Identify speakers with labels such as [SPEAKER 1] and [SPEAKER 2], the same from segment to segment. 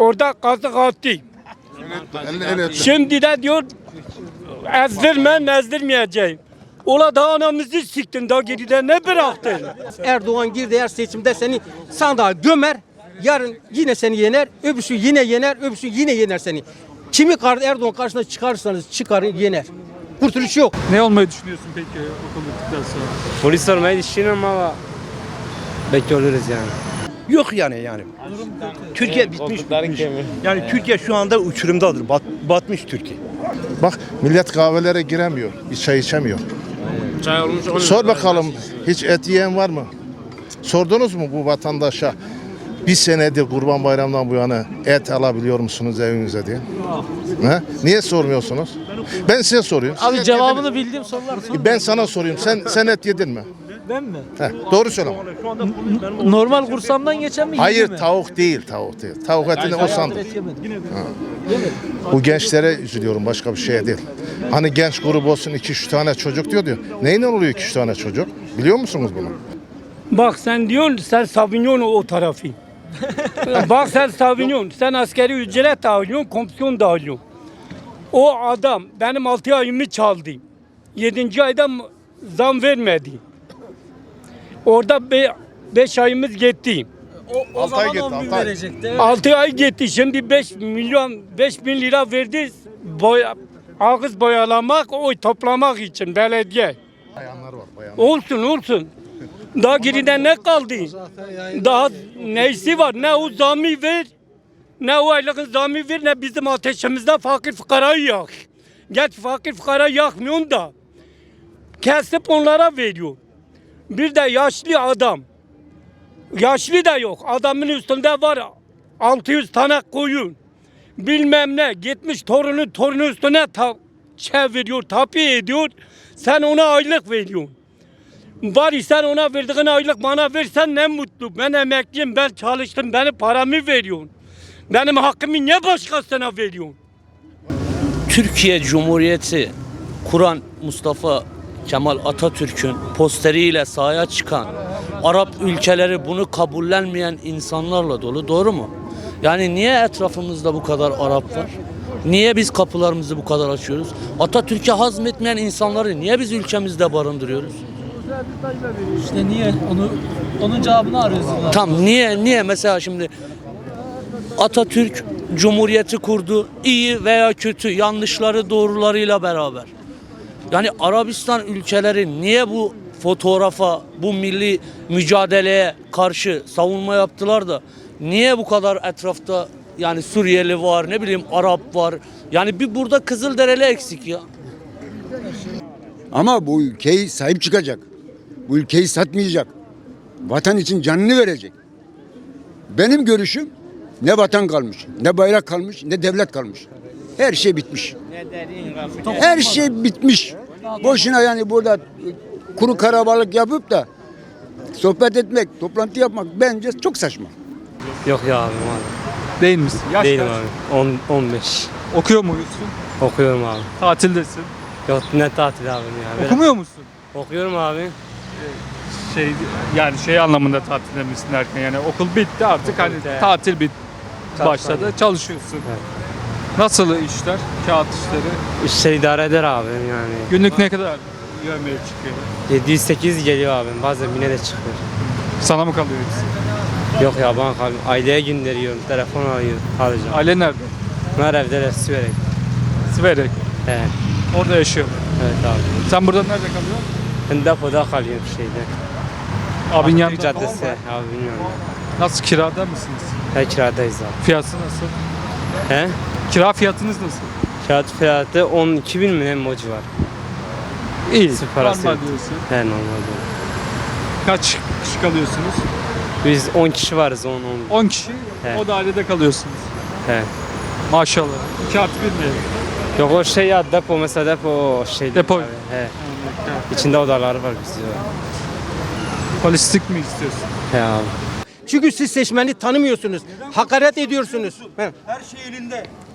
[SPEAKER 1] Orada kazık attı. Şimdi de diyor ezdirmeyeceğim. Ola da anamızı siktin, daha geride ne bıraktın?
[SPEAKER 2] Erdoğan girdi her seçimde seni sandığa gömer. Yarın yine seni yener. Öbürsü yine yener. Öbürsü yine yener seni. Kimi Erdoğan karşısına çıkarsanız çıkarın yener. Kurtuluş yok.
[SPEAKER 3] Ne olmayı düşünüyorsun peki okul bittikten sonra?
[SPEAKER 4] Polis olmayı düşünüyorum ama bekliyoruz yani.
[SPEAKER 5] Yok yani. Türkiye bitmiş. Yani Türkiye şu anda uçurumdadır. Batmış Türkiye.
[SPEAKER 6] Bak millet kahvelere giremiyor. Bir çay içemiyor.
[SPEAKER 4] Çay olmuş.
[SPEAKER 6] Sor bakalım hiç et yiyen var mı? Sordunuz mu bu vatandaşa? Bir senedir Kurban Bayramı'ndan bu yana et alabiliyor musunuz evinize diye? He? Niye sormuyorsunuz? Ben size soruyorum. Siz
[SPEAKER 7] Abi
[SPEAKER 6] et
[SPEAKER 7] cevabını
[SPEAKER 6] yediniz mi?
[SPEAKER 7] bildiğim sorular sor.
[SPEAKER 6] Ben sana soruyorum. Sen et yedin mi?
[SPEAKER 7] Ben mi?
[SPEAKER 6] Doğru söyle.
[SPEAKER 7] Normal kursamdan geçen mi?
[SPEAKER 6] Hayır
[SPEAKER 7] mi?
[SPEAKER 6] tavuk değil. Tavuk etini o sandım.
[SPEAKER 7] Et yemedim.
[SPEAKER 6] Bu gençlere üzülüyorum, başka bir şeye değil. Hani genç grubu olsun 2-3 tane çocuk diyor. Neyle oluyor 2-3 tane çocuk? Biliyor musunuz bunu?
[SPEAKER 1] Bak sen diyorsun, sen savunuyorsun o tarafı. Bak sen savunuyorsun, sen askeri ücret dağılıyorsun, komisyon dağılıyorsun. O adam benim 6 ayımı çaldı. 7. ayda zam vermedi. Orada 5 ayımız gitti.
[SPEAKER 7] O
[SPEAKER 6] Altı ay
[SPEAKER 7] zaman
[SPEAKER 6] gitti,
[SPEAKER 7] 10 bin
[SPEAKER 6] altı ay.
[SPEAKER 7] verecekti. Evet.
[SPEAKER 1] 6 ay gitti. Şimdi 5 bin lira verdi. Ağız boyalamak, oy toplamak için belediye.
[SPEAKER 6] Bayanlar var, bayanlar.
[SPEAKER 1] Olsun. Daha geride ne kaldı? Daha neysi var? Ne o zamı ver, ne o aylığın zamı ver, ne bizim ateşimizde fakir fukarayı yak. Geç fakir fukarayı yakmıyorsun da. Kesip onlara veriyor. Bir de yaşlı adam. Yaşlı da yok. Adamın üstünde var 600 tane koyun. Bilmem ne. Gitmiş torunu üstüne çeviriyor, tapi ediyor. Sen ona aylık veriyorsun. Bari sen ona verdiğin aylık bana versen ne mutlu. Ben emekliyim, ben çalıştım, benim paramı veriyorsun. Benim hakkımı niye başkasına veriyorsun?
[SPEAKER 8] Türkiye Cumhuriyeti kuran Mustafa Kemal Atatürk'ün posteriyle sahaya çıkan Arap ülkeleri bunu kabullenmeyen insanlarla dolu, doğru mu? Yani niye etrafımızda bu kadar Arap var? Niye biz kapılarımızı bu kadar açıyoruz? Atatürk'e hazmetmeyen insanları niye biz ülkemizde barındırıyoruz?
[SPEAKER 7] İşte niye? Onun cevabını arıyoruz.
[SPEAKER 8] Tam niye mesela şimdi Atatürk Cumhuriyeti kurdu, iyi veya kötü, yanlışları doğrularıyla beraber. Yani Arabistan ülkeleri niye bu fotoğrafa, bu milli mücadeleye karşı savunma yaptılar da niye bu kadar etrafta yani Suriyeli var, ne bileyim Arap var. Yani bir burada Kızılderili eksik ya.
[SPEAKER 9] Ama bu ülkeyi sahip çıkacak. Bu ülkeyi satmayacak. Vatan için canını verecek. Benim görüşüm ne vatan kalmış, ne bayrak kalmış, ne devlet kalmış. Her şey bitmiş. Her şey bitmiş. Boşuna yani burada kuru karabalık yapıp da sohbet etmek, toplantı yapmak bence çok saçma.
[SPEAKER 4] Yok ya abi.
[SPEAKER 3] Değil misin? Yaş
[SPEAKER 4] Değilim
[SPEAKER 3] kaç?
[SPEAKER 4] abi. 15.
[SPEAKER 3] Okuyor muyuz?
[SPEAKER 4] Okuyorum abi.
[SPEAKER 3] Tatildesin.
[SPEAKER 4] Yok ne tatil abi ya.
[SPEAKER 3] Okumuyor musun?
[SPEAKER 4] Okuyorum abi.
[SPEAKER 3] Şey anlamında tatilde misin derken yani okul bitti artık hani
[SPEAKER 4] bitti.
[SPEAKER 3] tatil başladı.
[SPEAKER 4] Aynen.
[SPEAKER 3] Çalışıyorsun.
[SPEAKER 4] Evet.
[SPEAKER 3] Nasıl işler? Kağıt işleri.
[SPEAKER 4] İşleri idare eder abi yani.
[SPEAKER 3] Günlük ne kadar yemeğe çıkıyor?
[SPEAKER 4] 700-800 geliyor abi. Bazen 1000'e de çıkıyor.
[SPEAKER 3] Sana mı kalıyor hepsi?
[SPEAKER 4] Yok ya bana kalmıyor. Aileye gönderiyorum. Telefon arıyorum. Alacağım.
[SPEAKER 3] Aile nerede?
[SPEAKER 4] Bunlar evdeler Siverek.
[SPEAKER 3] Siverek.
[SPEAKER 4] He.
[SPEAKER 3] Orada yaşıyorlar.
[SPEAKER 4] Evet abi.
[SPEAKER 3] Sen burada nerede kalıyorsun?
[SPEAKER 4] Ben depoda kalıyorum şeyde.
[SPEAKER 3] Abin
[SPEAKER 4] Atatürk
[SPEAKER 3] yanında.
[SPEAKER 4] Caddesi. Abi bilmiyorum.
[SPEAKER 3] Nasıl, kirada mısınız?
[SPEAKER 4] He kiradayız abi.
[SPEAKER 3] Fiyatı nasıl?
[SPEAKER 4] He?
[SPEAKER 3] Kira fiyatınız nasıl?
[SPEAKER 4] Kağıt fiyatı 12 bin mi ne o civar.
[SPEAKER 3] İyi.
[SPEAKER 4] Sıfır parası.
[SPEAKER 3] Normal diyorsun.
[SPEAKER 4] He normal diyor.
[SPEAKER 3] Kaç kişi kalıyorsunuz?
[SPEAKER 4] Biz 10 kişi varız 10.
[SPEAKER 3] 10 kişi.
[SPEAKER 4] He.
[SPEAKER 3] O dairede kalıyorsunuz.
[SPEAKER 4] He.
[SPEAKER 3] Maşallah. 2+1 mi?
[SPEAKER 4] Yok o şey ya depo mesela depo şey.
[SPEAKER 3] Depo.
[SPEAKER 4] Abi. He. İçinde odaları var bizde.
[SPEAKER 3] Polislik mi istiyorsun?
[SPEAKER 4] He abi.
[SPEAKER 2] Çünkü siz seçmeni tanımıyorsunuz. Hakaret ediyorsunuz. He.
[SPEAKER 5] Her şey elinde.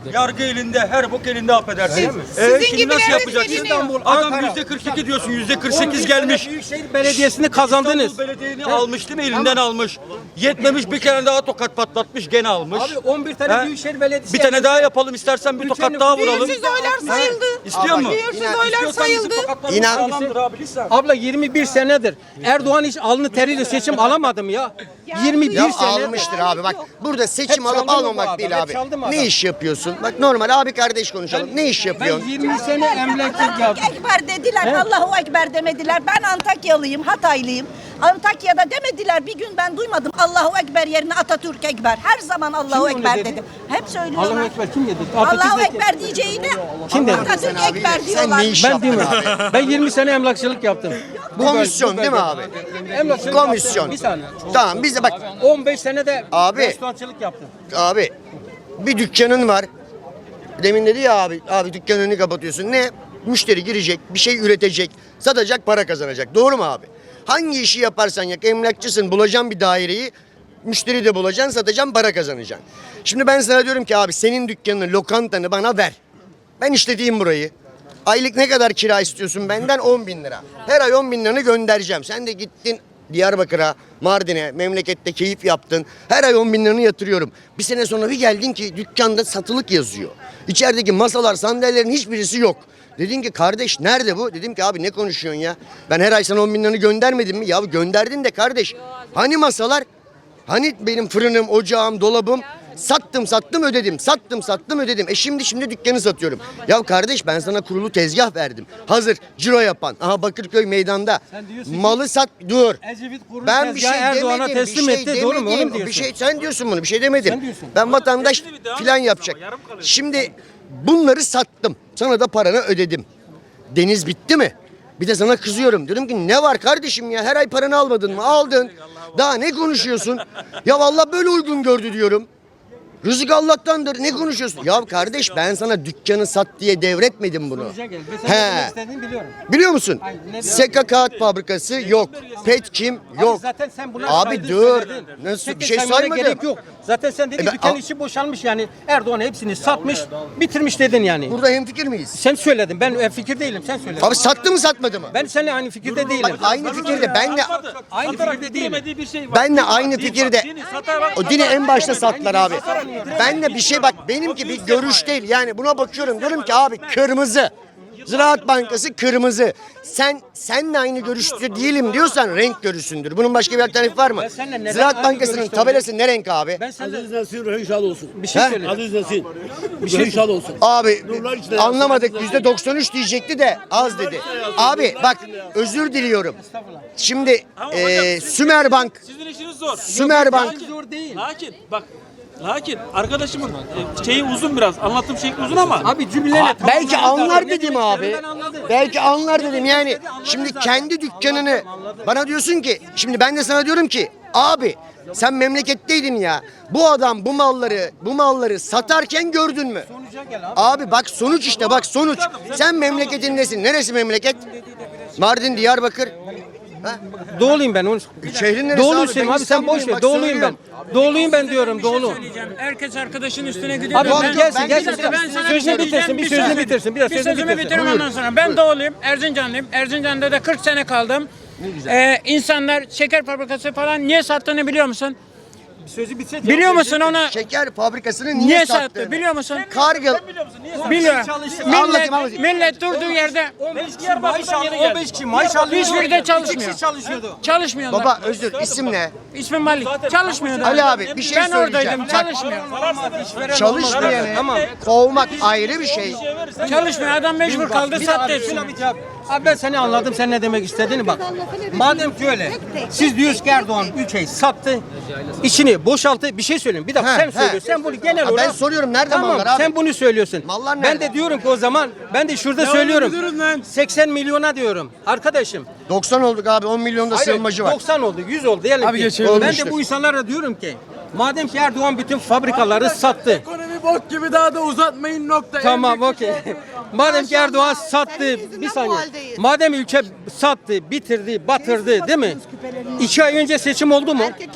[SPEAKER 5] Yargı elinde, her bok elinde affedersin.
[SPEAKER 10] Sizin
[SPEAKER 5] Şimdi
[SPEAKER 10] gibi
[SPEAKER 5] nasıl
[SPEAKER 10] evet
[SPEAKER 5] yapacaksın?
[SPEAKER 10] veriliyor.
[SPEAKER 5] Adam
[SPEAKER 2] Ankara.
[SPEAKER 5] %42 diyorsun, %48 gelmiş.
[SPEAKER 2] Büyükşehir Belediyesi'ni kazandınız.
[SPEAKER 5] İstanbul Belediye'ni almış değil mi? Elinden almış. Yetmemiş bir kere daha tokat patlatmış, gene almış.
[SPEAKER 2] Abi 11 tane
[SPEAKER 5] He?
[SPEAKER 2] Büyükşehir Belediyesi.
[SPEAKER 5] Bir tane daha yapalım istersen, bir tokat daha vuralım.
[SPEAKER 10] Büyüksüz oylar sayıldı.
[SPEAKER 5] İstiyor mu?
[SPEAKER 10] Büyüksüz oylar sayıldı.
[SPEAKER 5] İnan. Abi lütfen.
[SPEAKER 2] Abla 21 senedir Erdoğan hiç alnı teriyle seçim alamadım ya. 21
[SPEAKER 11] Ya
[SPEAKER 2] senedir.
[SPEAKER 11] almıştır abi bak. Burada seçim
[SPEAKER 2] Hep
[SPEAKER 11] alıp
[SPEAKER 2] çaldı mı bu
[SPEAKER 11] almamak
[SPEAKER 2] adam?
[SPEAKER 11] değil
[SPEAKER 2] Hep
[SPEAKER 11] abi.
[SPEAKER 2] çaldı mı
[SPEAKER 11] Ne
[SPEAKER 2] adam?
[SPEAKER 11] iş yapıyorsun? Bak normal abi kardeş konuşalım. Ne iş
[SPEAKER 2] Ben
[SPEAKER 11] yapıyorsun?
[SPEAKER 2] 20 sene emlakçılık yaptım.
[SPEAKER 10] Ekber dediler, Allahu Ekber demediler. Ben Antakyalıyım, Hataylıyım. Antakya'da demediler. Bir gün ben duymadım Allahu Ekber yerine Atatürk Ekber. Her zaman Allahu
[SPEAKER 2] Kim onu
[SPEAKER 10] Ekber
[SPEAKER 2] dedi?
[SPEAKER 10] dedim. Hep söylüyorlar.
[SPEAKER 2] Allahu Ekber kim dedi?
[SPEAKER 10] Allahu
[SPEAKER 2] Atatürk-
[SPEAKER 10] Ekber diyeceğine
[SPEAKER 2] Kim dedi?
[SPEAKER 10] Atatürk
[SPEAKER 11] Sen abi,
[SPEAKER 10] Ekber
[SPEAKER 11] sen
[SPEAKER 10] diyorlar.
[SPEAKER 11] ne iş
[SPEAKER 2] Ben
[SPEAKER 11] yaptın
[SPEAKER 2] diyorum.
[SPEAKER 11] abi?
[SPEAKER 2] Ben 20 sene emlakçılık yaptım.
[SPEAKER 11] Komisyon değil mi abi?
[SPEAKER 2] Emlakçılık
[SPEAKER 11] Komisyon.
[SPEAKER 2] yaptım. Bir saniye.
[SPEAKER 11] Tamam biz de bak
[SPEAKER 2] 15 sene de
[SPEAKER 11] Abi.
[SPEAKER 2] restorançılık yaptım.
[SPEAKER 11] abi bir dükkanın var. Demin dedi ya abi dükkanını kapatıyorsun. Ne? Müşteri girecek, bir şey üretecek, satacak, para kazanacak. Doğru mu abi? Hangi işi yaparsan yap, emlakçısın, bulacaksın bir daireyi, müşteri de bulacaksın, satacaksın, para kazanacaksın. Şimdi ben sana diyorum ki abi senin dükkanını, lokantanı bana ver. Ben işleteyim burayı. Aylık ne kadar kira istiyorsun benden? 10 bin lira. Her ay 10 bin liranı göndereceğim. Sen de gittin Diyarbakır'a, Mardin'e, memlekette keyif yaptın. Her ay 10 bin liranı yatırıyorum. Bir sene sonra bir geldin ki dükkanda satılık yazıyor. İçerideki masalar, sandalyelerin hiçbirisi yok. Dedin ki kardeş nerede bu? Dedim ki abi ne konuşuyorsun ya? Ben her ay sana 10 bin liranı göndermedim mi? Ya gönderdin de kardeş. Hani masalar? Hani benim fırınım, ocağım, dolabım? Sattım ödedim. Sattım ödedim. Şimdi dükkanı satıyorum. Ya kardeş ben sana kurulu tezgah verdim. Hazır ciro yapan. Aha Bakırköy meydanda. Malı sat dur.
[SPEAKER 2] Ecevit kurulu
[SPEAKER 11] Ben bir şey
[SPEAKER 2] tezgahı Erdoğan'a
[SPEAKER 11] demedim.
[SPEAKER 2] teslim
[SPEAKER 11] bir şey
[SPEAKER 2] etti. Doğru mu? Onu mu
[SPEAKER 11] demedim.
[SPEAKER 2] diyorsun?
[SPEAKER 11] Bir şey sen diyorsun bunu. Bir şey demedim.
[SPEAKER 2] Sen diyorsun.
[SPEAKER 11] Ben vatandaş filan yapacak. Şimdi bunları sattım. Sana da paranı ödedim. Deniz bitti mi? Bir de sana kızıyorum. Diyorum ki ne var kardeşim ya? Her ay paranı almadın mı? Aldın. Daha ne konuşuyorsun? Ya vallahi böyle uygun gördü diyorum. Rızık Allah'tandır. Ne konuşuyorsun? Ya kardeş ben sana dükkanı sat diye devretmedim bunu.
[SPEAKER 2] Sonuca gel. Ben sana ne demek
[SPEAKER 11] He.
[SPEAKER 2] istediğimi biliyorum.
[SPEAKER 11] Biliyor musun?
[SPEAKER 2] Hayır, ne-
[SPEAKER 11] Seka Kağıt Fabrikası yok. Petkim yok.
[SPEAKER 2] Abi zaten sen buna
[SPEAKER 11] Abi
[SPEAKER 2] saydın,
[SPEAKER 11] dur.
[SPEAKER 2] söyledin.
[SPEAKER 11] Nasıl
[SPEAKER 2] Tek
[SPEAKER 11] bir şey
[SPEAKER 2] saymana
[SPEAKER 11] saymadım.
[SPEAKER 2] gerek yok. Zaten sen dedin
[SPEAKER 11] ben-
[SPEAKER 2] dükkan içi boşalmış yani. Erdoğan hepsini satmış, bitirmiş dedin yani.
[SPEAKER 11] Burada hemfikir miyiz?
[SPEAKER 2] Sen söyledin. Ben fikir değilim. Sen söyledin.
[SPEAKER 11] Abi sattı mı satmadı mı?
[SPEAKER 2] Ben seninle aynı fikirde değilim.
[SPEAKER 11] Bak aynı fikirde benle
[SPEAKER 2] Aynı fikirde değilim.
[SPEAKER 11] benle aynı fikirde. O dini en başta sattılar abi. Benle bir şey bak benimki bir görüş değil. Yani buna bakıyorum diyorum ki abi kırmızı. Ziraat Bankası kırmızı. Senle aynı görüşte değilim diyorsan renk görüşündür. Bunun başka bir alternatifi var mı?
[SPEAKER 2] Ben seninle neden
[SPEAKER 11] Ziraat
[SPEAKER 2] aynı
[SPEAKER 11] Bankası'nın
[SPEAKER 2] görüşte
[SPEAKER 11] tabelası ne renk abi?
[SPEAKER 2] Ben seninle
[SPEAKER 5] Bir
[SPEAKER 2] bir şey söyledim.
[SPEAKER 5] Aziz Nesin. Bir şey inşallah olsun.
[SPEAKER 11] Abi anlamadık %93 diyecekti de az dedi. Abi bak özür diliyorum. Şimdi Sümerbank
[SPEAKER 1] Sizin işiniz zor.
[SPEAKER 11] Sümerbank
[SPEAKER 2] Zor değil.
[SPEAKER 1] Lakin arkadaşımın şeyi uzun biraz. Anlatım şekli uzun ama.
[SPEAKER 2] Abi cümleyle
[SPEAKER 11] belki anlar
[SPEAKER 2] Ne
[SPEAKER 11] dedim
[SPEAKER 2] demek
[SPEAKER 11] abi.
[SPEAKER 2] istediğini ben anladım.
[SPEAKER 11] Belki anlar dedim yani. Şimdi kendi dükkanını bana diyorsun ki şimdi ben de sana diyorum ki abi sen memleketteydin ya. Bu adam bu malları satarken gördün mü?
[SPEAKER 2] Sonuca gel abi.
[SPEAKER 11] Abi bak sonuç işte bak sonuç. Sen memleketindesin. Neresi memleket? Mardin, Diyarbakır. Ha?
[SPEAKER 2] Doğuluyum ben. Onu...
[SPEAKER 11] Şehrin neresi
[SPEAKER 2] Doğuluyum abi sen boş ver.
[SPEAKER 11] Bak
[SPEAKER 2] Doğuluyum ben.
[SPEAKER 11] söylüyorum.
[SPEAKER 2] Doğuluyum ben diyorum doğulu.
[SPEAKER 7] Herkes arkadaşın üstüne gidiyor.
[SPEAKER 2] Abi
[SPEAKER 11] Ben-
[SPEAKER 2] gelsin
[SPEAKER 11] ben-
[SPEAKER 2] gelsin.
[SPEAKER 11] ben-
[SPEAKER 7] Ben sana
[SPEAKER 2] Sözünü bitirsin. Bir sözünü bitirsin. Biraz sözünü
[SPEAKER 7] sözümü
[SPEAKER 2] bitirsin.
[SPEAKER 7] bitireyim ondan sonra. Ben doğuluyum, Erzincanlıyım. Erzincan'da da 40 sene kaldım. İnsanlar şeker fabrikası falan niye sattığını biliyor musun?
[SPEAKER 2] Sözü bitse
[SPEAKER 7] Biliyor musun onu?
[SPEAKER 11] Şeker fabrikasını
[SPEAKER 7] Niye
[SPEAKER 11] niye
[SPEAKER 7] sattı?
[SPEAKER 11] sattı?
[SPEAKER 7] Biliyor musun?
[SPEAKER 11] Kargıl.
[SPEAKER 7] Biliyor.
[SPEAKER 11] Anlatayım.
[SPEAKER 7] Millet durduğu yerde
[SPEAKER 2] 15 kişi maaş alıyor. 15 kişi maaş alıyor.
[SPEAKER 7] Hiçbiri de çalışmıyor.
[SPEAKER 2] 2 kişi çalışıyordu.
[SPEAKER 7] çalışmıyorlar.
[SPEAKER 11] Baba özür isim ne?
[SPEAKER 7] İsmim Malik. Çalışmıyordu.
[SPEAKER 11] Ali abi bir şey
[SPEAKER 7] ben
[SPEAKER 11] söyleyeceğim.
[SPEAKER 7] oradaydım. Çalışmıyor.
[SPEAKER 11] Çalışmayanı
[SPEAKER 2] Tamam.
[SPEAKER 11] kovmak ayrı bir şey.
[SPEAKER 7] Çalışmıyor. Adam mecbur kaldı sattı hepsini.
[SPEAKER 2] Abi ben seni anladım sen ne demek istediğini bak. Madem ki öyle. Siz diyorsunuz ki Erdoğan ülkeyi sattı. İçini boşalttı. Bir şey söyleyeyim. Bir dakika
[SPEAKER 11] He,
[SPEAKER 2] sen
[SPEAKER 11] he.
[SPEAKER 2] söylüyorsun. Sen bunu genel
[SPEAKER 11] Ha, ben
[SPEAKER 2] olarak.
[SPEAKER 11] soruyorum nerede
[SPEAKER 2] Tamam
[SPEAKER 11] mallar abi?
[SPEAKER 2] sen bunu söylüyorsun.
[SPEAKER 11] Mallar
[SPEAKER 2] Ben
[SPEAKER 11] nerede?
[SPEAKER 2] de diyorum ki o zaman ben de şurada söylüyorum. 80 milyona diyorum. Arkadaşım.
[SPEAKER 11] 90 olduk abi 10 milyonda
[SPEAKER 2] Hayır,
[SPEAKER 11] sığınmacı var.
[SPEAKER 2] 90 oldu, 100 oldu. Diyelim
[SPEAKER 5] Abi
[SPEAKER 2] ki.
[SPEAKER 5] geçelim.
[SPEAKER 2] Ben
[SPEAKER 11] Olmuştur.
[SPEAKER 2] de bu insanlara diyorum ki madem ki Erdoğan bütün fabrikaları sattı.
[SPEAKER 5] Ekonomi bok gibi daha da uzatmayın nokta.
[SPEAKER 2] Tamam okey. Madem ki Erdoğan sattı bir saniye. Madem ülke sattı, bitirdi, batırdı değil mi? 2 ay önce seçim oldu mu?
[SPEAKER 10] Erkeklere benzer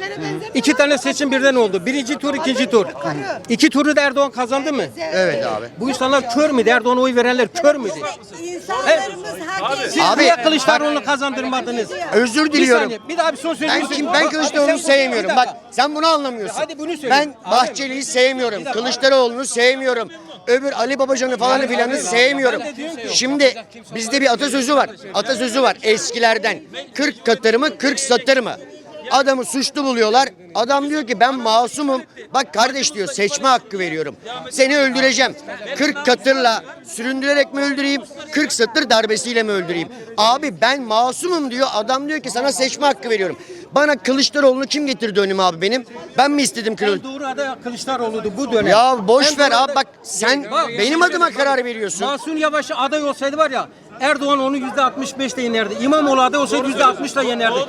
[SPEAKER 2] İki tane seçim birden oldu. Birinci tur, ikinci tur. İki turu da Erdoğan kazandı mı?
[SPEAKER 11] Evet abi.
[SPEAKER 2] Bu insanlar kör müydü? Erdoğan'a oy verenler kör müydü?
[SPEAKER 10] İnsanlarımız hak ediyor.
[SPEAKER 2] Siz
[SPEAKER 11] Abi,
[SPEAKER 2] niye Kılıçdaroğlu'nu kazandırmadınız?
[SPEAKER 11] Özür
[SPEAKER 2] Bir
[SPEAKER 11] diliyorum.
[SPEAKER 2] saniye, bir daha bir son sözünü
[SPEAKER 11] Ben Kılıçdaroğlu'nu sevmiyorum. Bak sen bunu anlamıyorsun.
[SPEAKER 2] Hadi bunu söyle.
[SPEAKER 11] Ben Bahçeli'yi sevmiyorum. Kılıçdaroğlu'nu sevmiyorum. Öbür Ali Babacan'ı falan filanı sevmiyorum. Şimdi bizde bir atasözü var. Atasözü var eskilerden. 40 katır mı 40 satır mı? Adamı suçlu buluyorlar. Adam diyor ki ben masumum. Bak kardeş diyor seçme hakkı veriyorum. Seni öldüreceğim. 40 katırla süründürerek mi öldüreyim? 40 satır darbesiyle mi öldüreyim? Abi ben masumum diyor. Adam diyor ki sana seçme hakkı veriyorum. Bana Kılıçdaroğlu'nu kim getirdi önüme abi benim? Ben mi istedim Kılıçdaroğlu?
[SPEAKER 2] Doğru aday Kılıçdaroğlu'du bu dönem.
[SPEAKER 11] Ya boş
[SPEAKER 2] En
[SPEAKER 11] ver
[SPEAKER 2] doğru
[SPEAKER 11] abi
[SPEAKER 2] aday-
[SPEAKER 11] bak sen
[SPEAKER 2] Bak,
[SPEAKER 11] benim adıma karar veriyorsun.
[SPEAKER 2] Mahsun Yavaş aday olsaydı var ya Erdoğan onu %65'le yenerdi. İmamoğlu aday olsaydı %60'la yenerdi.